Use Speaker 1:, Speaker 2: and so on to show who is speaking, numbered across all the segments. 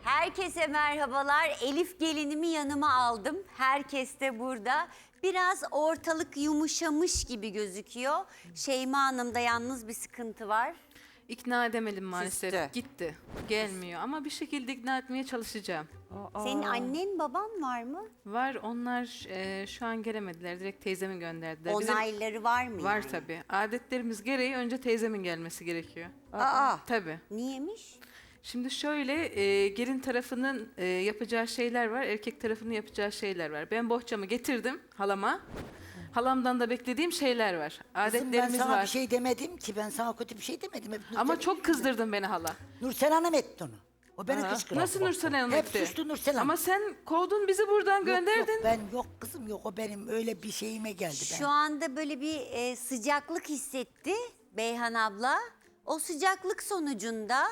Speaker 1: Herkese merhabalar. Elif gelinimi yanıma aldım. Herkes de burada. Biraz ortalık yumuşamış gibi gözüküyor. Şeyma Hanım'da yalnız bir sıkıntı var.
Speaker 2: İkna edemedim maalesef.
Speaker 1: Küstü.
Speaker 2: Gitti. Gelmiyor ama bir şekilde ikna etmeye çalışacağım.
Speaker 1: Senin annen baban var mı?
Speaker 2: Var onlar şu an gelemediler. Direkt teyzemi gönderdiler. Bizim-
Speaker 1: Onayları var mı
Speaker 2: Var
Speaker 1: yani?
Speaker 2: tabii. Adetlerimiz gereği önce teyzemin gelmesi gerekiyor.
Speaker 1: Aa,
Speaker 2: Tabii.
Speaker 1: niyemiş?
Speaker 2: Şimdi şöyle gelin tarafının yapacağı şeyler var. Erkek tarafının yapacağı şeyler var. Ben bohçamı getirdim halama. Halamdan da beklediğim şeyler var.
Speaker 3: Kızım, ben
Speaker 2: Adetlerimiz
Speaker 3: sana
Speaker 2: var.
Speaker 3: bir şey demedim ki. Ben sana kötü bir şey demedim. Hep
Speaker 2: Ama
Speaker 3: Nursel
Speaker 2: çok kızdırdın beni hala.
Speaker 3: Nursel Hanım etti onu. O beni kışkırttı.
Speaker 2: Nasıl Nursel Hanım
Speaker 3: Hep
Speaker 2: etti?
Speaker 3: suçlu Nursel Hanım.
Speaker 2: Ama sen kovdun bizi buradan
Speaker 3: Yok,
Speaker 2: gönderdin.
Speaker 3: Yok, ben yok kızım yok. O benim öyle bir şeyime geldi.
Speaker 1: Şu anda böyle bir sıcaklık hissetti Beyhan abla. O sıcaklık sonucunda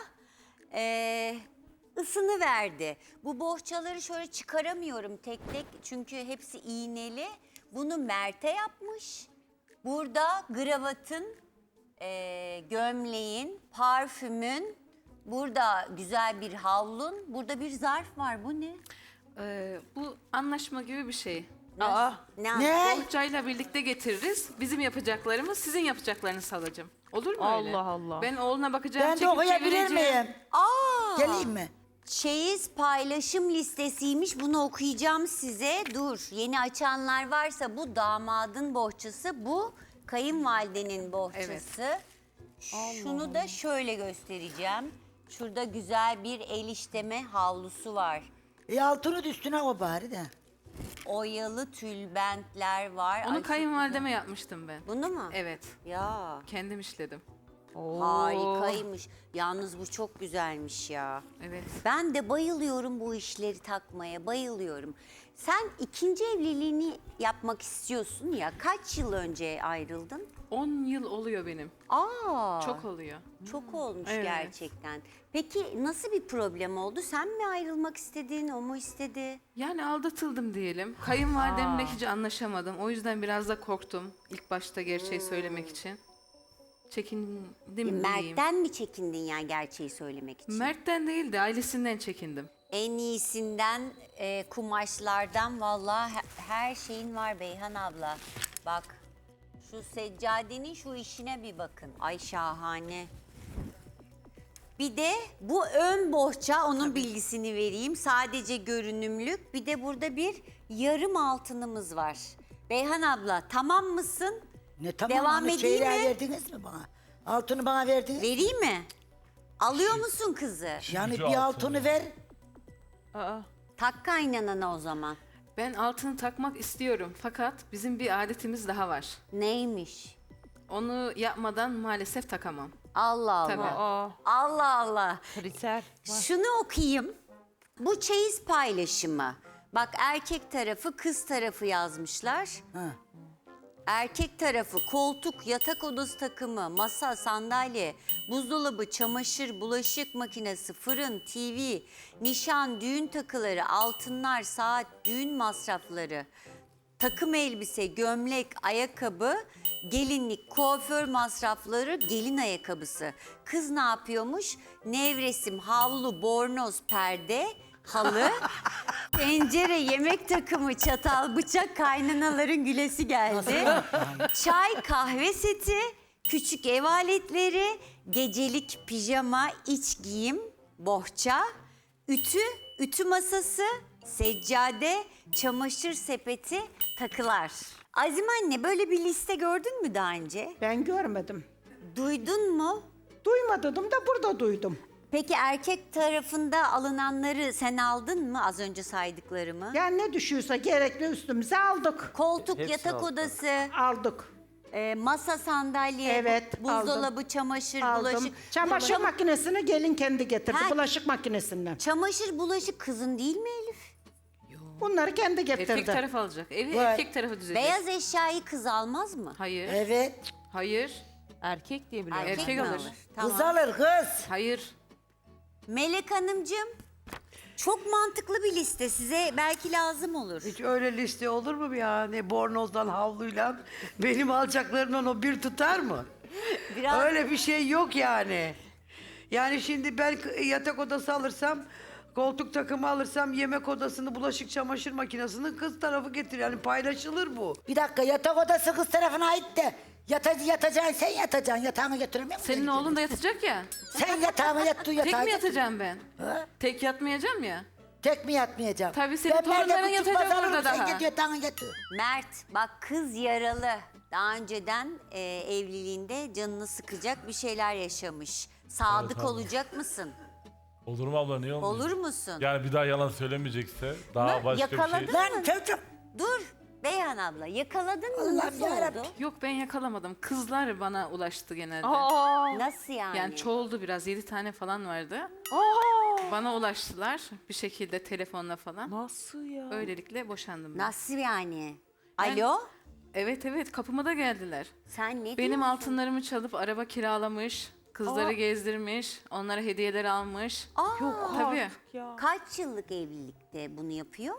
Speaker 1: ısını verdi. Bu bohçaları şöyle çıkaramıyorum tek tek çünkü hepsi iğneli. Bunu Mert'e yapmış. Burada gravatın, gömleğin, parfümün, burada güzel bir havlun, burada bir zarf var. Bu ne?
Speaker 2: Bu anlaşma gibi bir şey.
Speaker 3: Ne?
Speaker 2: Bohçayla birlikte getiririz. Bizim yapacaklarımız sizin yapacaklarınızı halacığım. Olur mu öyle?
Speaker 4: Allah Allah.
Speaker 2: Ben oğluna bakacağım,
Speaker 3: Ben de
Speaker 2: çekip
Speaker 3: okuyabilir
Speaker 2: çevireceğim.
Speaker 3: miyim?
Speaker 1: Aa!
Speaker 3: Geleyim mi?
Speaker 1: Çeyiz paylaşım listesiymiş. Bunu okuyacağım size. Dur. Yeni açanlar varsa bu damadın bohçası, bu kayınvalidenin bohçası. Şunu da şöyle göstereceğim. Şurada güzel bir el işleme havlusu var.
Speaker 3: Altını da üstüne o bari de.
Speaker 1: Oyalı tülbentler var.
Speaker 2: Onu
Speaker 1: Ay,
Speaker 2: kayınvalideme yapmıştım ben.
Speaker 1: bunu mu?
Speaker 2: Evet.
Speaker 1: Ya
Speaker 2: Kendim işledim.
Speaker 1: harikaymış. Yalnız bu çok güzelmiş ya.
Speaker 2: Evet.
Speaker 1: Ben de bayılıyorum bu işleri takmaya, bayılıyorum. Sen ikinci evliliğini yapmak istiyorsun ya. Kaç yıl önce ayrıldın?
Speaker 2: 10 yıl oluyor benim.
Speaker 1: Aa,
Speaker 2: Çok oluyor.
Speaker 1: çok olmuş
Speaker 2: Evet.
Speaker 1: gerçekten. Peki nasıl bir problem oldu? Sen mi ayrılmak istedin, o mu istedi?
Speaker 2: Yani aldatıldım diyelim. Kayınvalidemle hiç anlaşamadım. O yüzden biraz da korktum ilk başta gerçeği söylemek için. Çekindim diyeyim.
Speaker 1: Mert'ten mi çekindin yani gerçeği söylemek için?
Speaker 2: Mert'ten değil de ailesinden çekindim.
Speaker 1: En iyisinden kumaşlardan vallahi her şeyin var Beyhan abla. Bak şu seccadenin şu işine bir bakın. Ay şahane. Bir de bu ön bohça, onun bilgisini vereyim. Sadece görünümlük. Bir de burada bir yarım altınımız var. Beyhan abla tamam mısın?
Speaker 3: Ne tamam
Speaker 1: Devam
Speaker 3: onu
Speaker 1: edeyim
Speaker 3: çeyreğe
Speaker 1: mi?
Speaker 3: verdiniz mi bana? Altını bana verdiniz.
Speaker 1: Vereyim mi? Alıyor musun kızı?
Speaker 3: Yani bir altını ver.
Speaker 1: Tak kaynanana o zaman.
Speaker 2: Ben altını takmak istiyorum fakat bizim bir adetimiz daha var.
Speaker 1: Neymiş?
Speaker 2: Onu yapmadan maalesef takamam.
Speaker 1: Allah Allah.
Speaker 2: Tabii.
Speaker 1: Allah Allah.
Speaker 4: Kriter.
Speaker 1: Şunu okuyayım. Bu çeyiz paylaşımı. Bak erkek tarafı, kız tarafı yazmışlar.
Speaker 3: Ha.
Speaker 1: Erkek tarafı koltuk, yatak odası takımı, masa, sandalye, buzdolabı, çamaşır, bulaşık makinesi, fırın, TV, nişan, düğün takıları, altınlar, saat, düğün masrafları, takım elbise, gömlek, ayakkabı, gelinlik, kuaför masrafları, gelin ayakkabısı. Kız ne yapıyormuş? Nevresim, havlu, bornoz, perde, halı, tencere, yemek takımı, çatal, bıçak, kaynanaların gülesi geldi. Çay, kahve seti, küçük ev aletleri, gecelik pijama, iç giyim, bohça, ütü masası, seccade, çamaşır sepeti, takılar. Azim anne böyle bir liste gördün mü daha önce?
Speaker 4: Ben görmedim.
Speaker 1: Duydun mu?
Speaker 4: Duymadım da burada duydum.
Speaker 1: Peki erkek tarafında alınanları sen aldın mı az önce saydıklarımı?
Speaker 4: Yani ne düşüyorsa gerekli üstümüze aldık.
Speaker 1: Koltuk, yatak odası,
Speaker 4: Aldık.
Speaker 1: masa, sandalye,
Speaker 4: Evet,
Speaker 1: buzdolabı, çamaşır,
Speaker 4: Aldım.
Speaker 1: bulaşık.
Speaker 4: Çamaşır makinesini gelin kendi getirdi.
Speaker 1: Ha.
Speaker 4: Bulaşık makinesinden.
Speaker 1: Çamaşır, bulaşık kızın değil mi Elif?
Speaker 4: Bunları kendi getirdi.
Speaker 2: Erkek taraf alacak. Evi
Speaker 3: Var.
Speaker 2: erkek tarafı düzecek.
Speaker 1: Beyaz eşyayı kız almaz mı?
Speaker 2: Hayır.
Speaker 3: Evet.
Speaker 2: Hayır.
Speaker 4: Erkek diye biliyorum.
Speaker 2: Erkek
Speaker 1: mi
Speaker 2: alır.
Speaker 1: Tamam.
Speaker 3: Kız alır kız.
Speaker 2: Hayır.
Speaker 1: Melek Hanımcığım, çok mantıklı bir liste, size belki lazım olur.
Speaker 5: Hiç öyle liste olur mu ya? Ne bornozdan havluyla benim alacaklarımdan o bir tutar mı?
Speaker 1: Biraz
Speaker 5: Öyle bir şey yok yani. Yani şimdi ben yatak odası alırsam, koltuk takımı alırsam, yemek odasını, bulaşık çamaşır makinesini kız tarafı getiriyor. Yani paylaşılır bu.
Speaker 3: Bir dakika yatak odası kız tarafına ait de yatacaksın sen yatacaksın. Yatağını götüremiyor musun?
Speaker 2: Senin oğlun da yatacak ya.
Speaker 3: Sen yatağıma yat,
Speaker 2: Tek
Speaker 3: yatağa
Speaker 2: mi
Speaker 3: yat.
Speaker 2: yatacağım ben?
Speaker 3: Ha?
Speaker 2: Tek yatmayacağım ya.
Speaker 3: Tek mi yatmayacağım?
Speaker 2: Tabii senin
Speaker 3: Ben nerede
Speaker 2: torunların
Speaker 3: küçük
Speaker 2: yatacak
Speaker 3: pazarım,
Speaker 2: orada
Speaker 3: sen
Speaker 2: daha.
Speaker 3: git yatağına yat.
Speaker 1: Mert bak kız yaralı. Daha önceden evliliğinde canını sıkacak bir şeyler yaşamış. Sadık
Speaker 6: abla.
Speaker 1: olacak mısın?
Speaker 6: Olur mu abla niye olmuyor?
Speaker 1: Olur musun?
Speaker 6: Yani bir daha yalan söylemeyecekse daha başka bir
Speaker 1: yakaladın
Speaker 6: şey.
Speaker 3: Lan çocuğum.
Speaker 1: Dur Beyhan abla yakaladın mı?
Speaker 3: Allah'ım
Speaker 1: Nasıl
Speaker 3: yarabbim.
Speaker 1: oldu?
Speaker 2: Yok ben yakalamadım. Kızlar bana ulaştı genelde.
Speaker 1: Nasıl yani?
Speaker 2: Yani çoğuldu biraz. 7 tane falan vardı. Bana ulaştılar bir şekilde telefonla falan.
Speaker 7: Nasıl ya?
Speaker 2: Öylelikle boşandım ben.
Speaker 1: Nasıl yani?
Speaker 2: Yani-
Speaker 1: Alo?
Speaker 2: Evet kapıma da geldiler.
Speaker 1: Sen ne
Speaker 2: Benim
Speaker 1: diyorsun?
Speaker 2: altınlarımı çalıp araba kiralamış. Kızları gezdirmiş. Onlara hediyeler almış.
Speaker 1: Yok
Speaker 2: Tabii.
Speaker 7: Ya.
Speaker 1: Kaç yıllık evlilikte bunu yapıyor?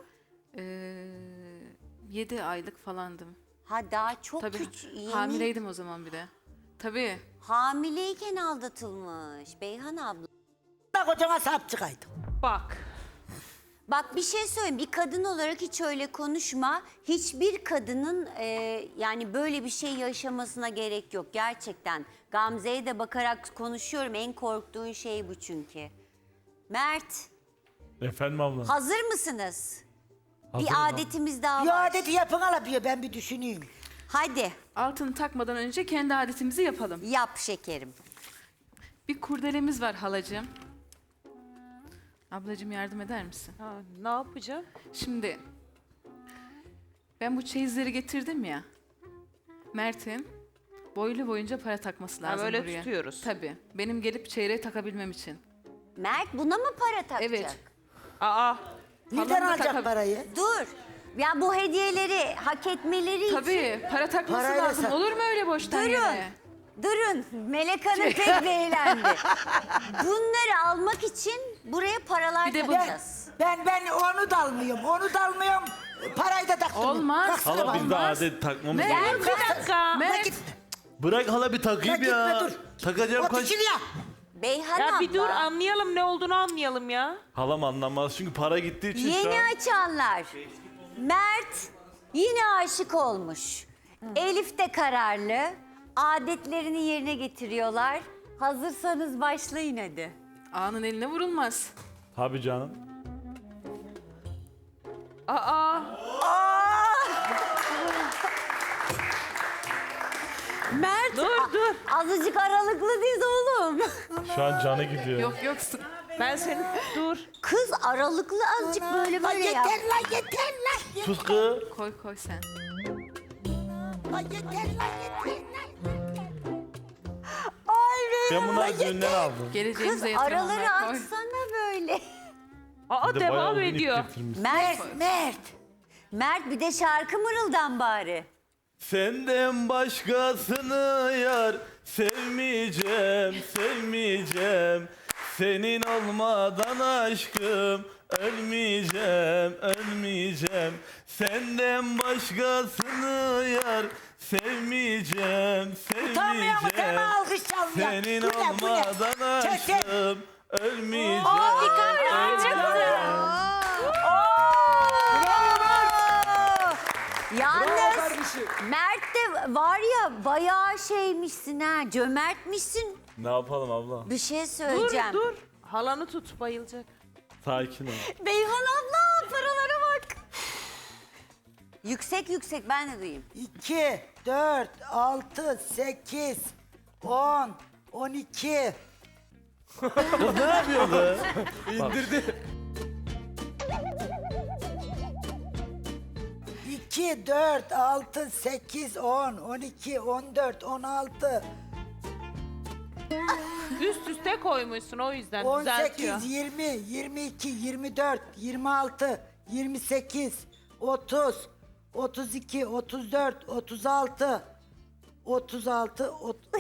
Speaker 2: 7 aylık falandım.
Speaker 1: Ha daha çok
Speaker 2: Tabii.
Speaker 1: yeni.
Speaker 2: Hamileydim o zaman bir de. Tabii.
Speaker 1: Hamileyken aldatılmış Beyhan abla.
Speaker 3: Bak kocana sahip çıkaydım.
Speaker 7: Bak.
Speaker 1: Bak bir şey söyleyeyim. Bir kadın olarak hiç öyle konuşma. Hiçbir kadının yani böyle bir şey yaşamasına gerek yok. Gerçekten. Gamze'ye de bakarak konuşuyorum. En korktuğun şey bu çünkü. Mert,
Speaker 6: Efendim abla.
Speaker 1: hazır mısınız?
Speaker 6: Hazırım
Speaker 1: Bir
Speaker 6: abla.
Speaker 1: adetimiz daha
Speaker 3: Bir
Speaker 1: var.
Speaker 3: adeti yapın alabiliyor ben bir düşüneyim.
Speaker 1: Hadi
Speaker 2: Altını takmadan önce kendi adetimizi yapalım.
Speaker 1: yap şekerim.
Speaker 2: Bir kurdelemiz var halacığım. Ablacığım yardım eder misin?
Speaker 7: Ha, ne yapacağım?
Speaker 2: Şimdi ben bu çeyizleri getirdim ya. Mert'in boylu boyunca para takması lazım
Speaker 7: böyle
Speaker 2: buraya.
Speaker 7: tutuyoruz.
Speaker 2: Tabii. Benim gelip çeyreği takabilmem için.
Speaker 1: Mert buna mı para takacak?
Speaker 2: Evet.
Speaker 7: Aa.
Speaker 3: Nereden
Speaker 2: da
Speaker 3: alacak
Speaker 2: takab-
Speaker 3: parayı?
Speaker 1: Dur. Ya bu hediyeleri hak etmeleri için.
Speaker 2: Tabii. Para takması
Speaker 3: Parayla
Speaker 2: lazım.
Speaker 3: sak-
Speaker 2: Olur mu öyle boştan
Speaker 1: Durun.
Speaker 2: yere?
Speaker 1: Durun. Melek Hanım pek eğlendi. Bunları almak için buraya paralar
Speaker 2: Bir de bu-
Speaker 1: takacağız.
Speaker 3: Ben onu da almıyorum. Onu da almıyorum. Parayı da takmıyorum.
Speaker 2: Olmaz.
Speaker 3: Kalksana
Speaker 6: Hala
Speaker 3: bak.
Speaker 6: biz de
Speaker 2: Olmaz.
Speaker 6: adet takmamız
Speaker 2: Mert,
Speaker 6: lazım.
Speaker 7: Bir dakika.
Speaker 2: Mert.
Speaker 3: Git.
Speaker 6: Bırak hala bir takayım
Speaker 3: Gitme,
Speaker 6: ya.
Speaker 3: dur.
Speaker 6: Takacağım
Speaker 3: Otur
Speaker 6: kaç.
Speaker 3: şuraya.
Speaker 1: Beyhan
Speaker 7: Ya
Speaker 1: abla.
Speaker 7: bir dur anlayalım ne olduğunu anlayalım ya.
Speaker 6: Halam anlamaz çünkü para gittiği için şu
Speaker 1: Yeni
Speaker 6: an.
Speaker 1: açanlar. Mert yine aşık olmuş. Elif de kararlı. Adetlerini yerine getiriyorlar. Hazırsanız başlayın hadi.
Speaker 2: Ağanın eline vurulmaz.
Speaker 6: Tabii canım.
Speaker 7: Aa.
Speaker 1: Mert
Speaker 7: Dur.
Speaker 1: azıcık aralıklı diz oğlum.
Speaker 6: Şu an canı gidiyor.
Speaker 2: Yok sık.
Speaker 7: Ben seni dur.
Speaker 1: Kız aralıklı azıcık böyle
Speaker 3: Lan
Speaker 1: böyle yap.
Speaker 3: yeter lan yeter lan.
Speaker 6: Sus kız.
Speaker 2: Koy sen.
Speaker 3: Lan yeter lan yeter lan.
Speaker 1: Ay
Speaker 6: Ben bunları düğünden aldım.
Speaker 1: Kız
Speaker 2: Geleceğimize yatırım
Speaker 1: araları
Speaker 2: onlar. Koy.
Speaker 1: açsana böyle.
Speaker 7: Aa
Speaker 6: Bir de bayağı
Speaker 7: devam
Speaker 6: uzun ip
Speaker 7: ediyor.
Speaker 6: getirmiş.
Speaker 1: Mert Mert bir de şarkı mırıldan bari.
Speaker 6: Senden başkasını yar sevmeyeceğim. Senin olmadan aşkım ölmeyeceğim. Senden başkasını yar sevmeyeceğim.
Speaker 3: Utanmıyor mu? Sen alkış çalmıyor.
Speaker 6: Senin
Speaker 3: Bu ne, bu ne?
Speaker 6: olmadan
Speaker 3: Çekil.
Speaker 6: aşkım ölmeyeceğim.
Speaker 1: Yalnız Mert de var ya bayağı şeymişsin ha, cömertmişsin.
Speaker 6: Ne yapalım abla?
Speaker 1: Bir şey
Speaker 7: Dur
Speaker 1: söyleyeceğim.
Speaker 7: dur. Halanı tut bayılacak.
Speaker 6: Sakin ol.
Speaker 1: Beyhan abla paralara bak. Yüksek ben de duyayım.
Speaker 3: 2, 4, 6, 8, 10, 12.
Speaker 6: Kız ne yapıyordu? İndirdi.
Speaker 3: 2, 4, 6, 8, 10, 12, 14, 16,
Speaker 7: Üst üste koymuşsun o yüzden düzeltiyor.
Speaker 3: 18, 20, 22, 24, 26, 28, 30, 32, 34, 36, 36,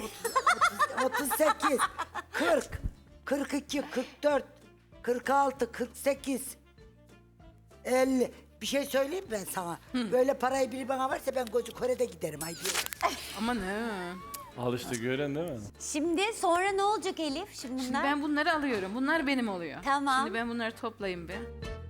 Speaker 3: 38, 40, 42, 44, 46, 48, 50. Bir şey söyleyeyim mi ben sana? Böyle parayı biri bana verse ben Koca Kore'de giderim. Haydi.
Speaker 2: Ama ne?
Speaker 6: Al işte gören değil mi?
Speaker 1: Şimdi sonra ne olacak Elif? Şimdi
Speaker 2: Şimdi
Speaker 1: bunlar.
Speaker 2: ben bunları alıyorum. Bunlar benim oluyor.
Speaker 1: Tamam.
Speaker 2: Şimdi ben bunları toplayayım bir.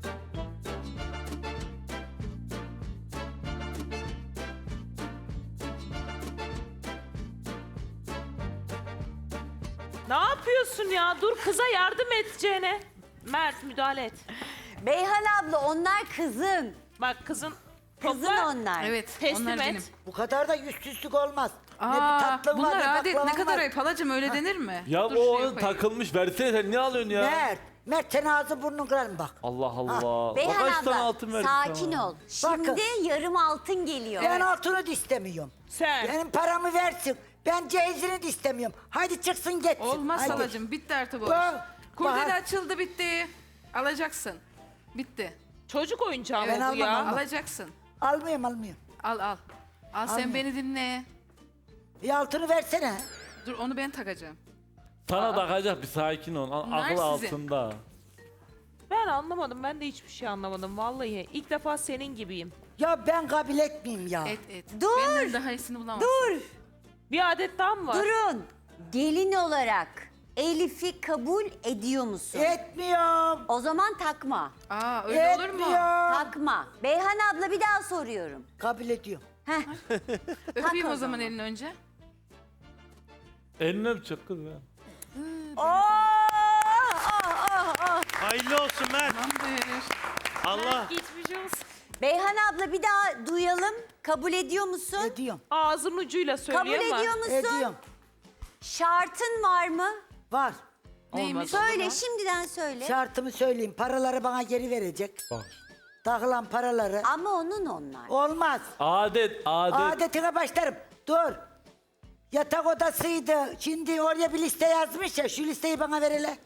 Speaker 7: Ne yapıyorsun ya? Dur kıza yardım edeceğine. Mert müdahale et.
Speaker 1: Beyhan abla onlar kızın.
Speaker 7: Bak kızın
Speaker 1: Kızın
Speaker 7: topla.
Speaker 1: onlar.
Speaker 2: Evet,
Speaker 7: Teslim
Speaker 2: onlar
Speaker 7: et.
Speaker 2: benim.
Speaker 3: Bu kadar da yüzsüzlük olmaz. ne bir
Speaker 2: Aa,
Speaker 3: tatlım var,
Speaker 2: bunlar
Speaker 3: ne
Speaker 2: adet, ne
Speaker 3: baklavam
Speaker 2: kadar
Speaker 3: var.
Speaker 2: ayıp halacığım, öyle denir mi?
Speaker 6: Ya
Speaker 2: Dur
Speaker 6: o
Speaker 2: şuraya
Speaker 6: onun
Speaker 2: koyayım.
Speaker 6: takılmış. Versene sen ne alıyorsun ya?
Speaker 3: Mert sen ağzı burnun kırarım bak.
Speaker 6: Allah Allah.
Speaker 1: Beyhan
Speaker 6: Bak kaç tane
Speaker 1: abla
Speaker 6: altın verdik
Speaker 1: sakin
Speaker 6: sana.
Speaker 1: ol. Şimdi yarım altın geliyor.
Speaker 3: Ben altını da istemiyorum.
Speaker 7: Sen.
Speaker 3: Benim paramı versin. Ben cehizini de istemiyorum. Hadi çıksın gitsin.
Speaker 2: Olmaz
Speaker 3: Hadi.
Speaker 2: halacığım, bitti artık bu
Speaker 3: Bak,
Speaker 2: iş. Kurdele
Speaker 3: bak.
Speaker 2: açıldı, bitti. Alacaksın. Bitti.
Speaker 7: Çocuk oyuncağı
Speaker 3: Ben
Speaker 7: mı bu
Speaker 3: almam,
Speaker 7: ya?
Speaker 3: almam.
Speaker 2: Alacaksın.
Speaker 3: Almıyorum.
Speaker 2: Al al. Al sen beni dinle.
Speaker 3: Altını versene.
Speaker 2: Dur onu ben takacağım.
Speaker 6: Sana takacak bir sakin ol.
Speaker 2: Bunlar
Speaker 6: Akıl
Speaker 2: sizin.
Speaker 6: altında.
Speaker 7: Ben anlamadım. Ben de hiçbir şey anlamadım. Vallahi ilk defa senin gibiyim.
Speaker 3: Ya ben kabul etmeyeyim ya.
Speaker 2: Et.
Speaker 1: Dur.
Speaker 2: Benden daha iyisini bulamazsın.
Speaker 1: Dur.
Speaker 7: Bir adet daha mı var?
Speaker 1: Durun. Gelin olarak Elif'i kabul ediyor musun?
Speaker 3: Etmiyorum.
Speaker 1: O zaman takma.
Speaker 2: Aa öyle olur mu?
Speaker 3: Etmiyorum.
Speaker 1: Takma. Beyhan abla bir daha soruyorum.
Speaker 3: Kabul ediyorum.
Speaker 1: Heh.
Speaker 2: Öpeyim
Speaker 1: Tak
Speaker 2: o
Speaker 1: o
Speaker 2: zaman
Speaker 1: zaman.
Speaker 2: elini önce.
Speaker 6: Elini öpecek kız ya.
Speaker 8: Hayırlı olsun Mert.
Speaker 2: Tamamdır.
Speaker 8: Allah.
Speaker 7: Geçmiş olsun.
Speaker 1: Beyhan abla bir daha duyalım. Kabul ediyor musun?
Speaker 3: Ediyorum.
Speaker 7: Ağzının ucuyla söylüyor
Speaker 1: Kabul
Speaker 7: ama.
Speaker 1: ediyor musun?
Speaker 3: Ediyorum.
Speaker 1: Şartın var mı?
Speaker 3: Var.
Speaker 2: Neymiş?
Speaker 1: Söyle, şimdiden söyle.
Speaker 3: Şartımı söyleyeyim. Paraları bana geri verecek.
Speaker 6: Bak.
Speaker 3: Takılan paraları.
Speaker 1: Ama onun onlar.
Speaker 3: Olmaz.
Speaker 6: Adet.
Speaker 3: Adetine başlarım. Dur. Yatak odasıydı. Şimdi oraya bir liste yazmış ya. Şu listeyi bana ver hele.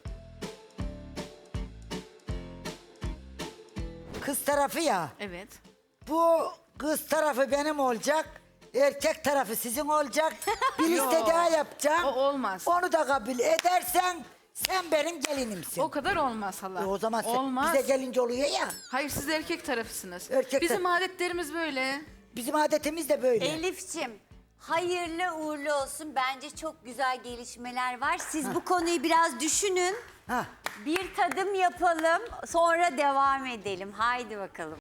Speaker 3: Kız tarafı ya.
Speaker 2: Evet.
Speaker 3: Bu kız tarafı benim olacak. Erkek tarafı sizin olacak. Bir liste daha yapacağım.
Speaker 2: O olmaz.
Speaker 3: Onu da kabul edersen sen benim gelinimsin.
Speaker 2: O kadar olmaz hala.
Speaker 3: O zaman sen,
Speaker 2: olmaz.
Speaker 3: bize gelince oluyor ya.
Speaker 2: Hayır siz erkek tarafısınız.
Speaker 3: Erkek
Speaker 2: Bizim adetlerimiz böyle.
Speaker 3: Bizim adetimiz de böyle.
Speaker 1: Elif'ciğim, hayırlı uğurlu olsun. Bence çok güzel gelişmeler var. Siz bu konuyu biraz düşünün.
Speaker 3: Ha.
Speaker 1: Bir tadım yapalım, sonra devam edelim. Haydi bakalım.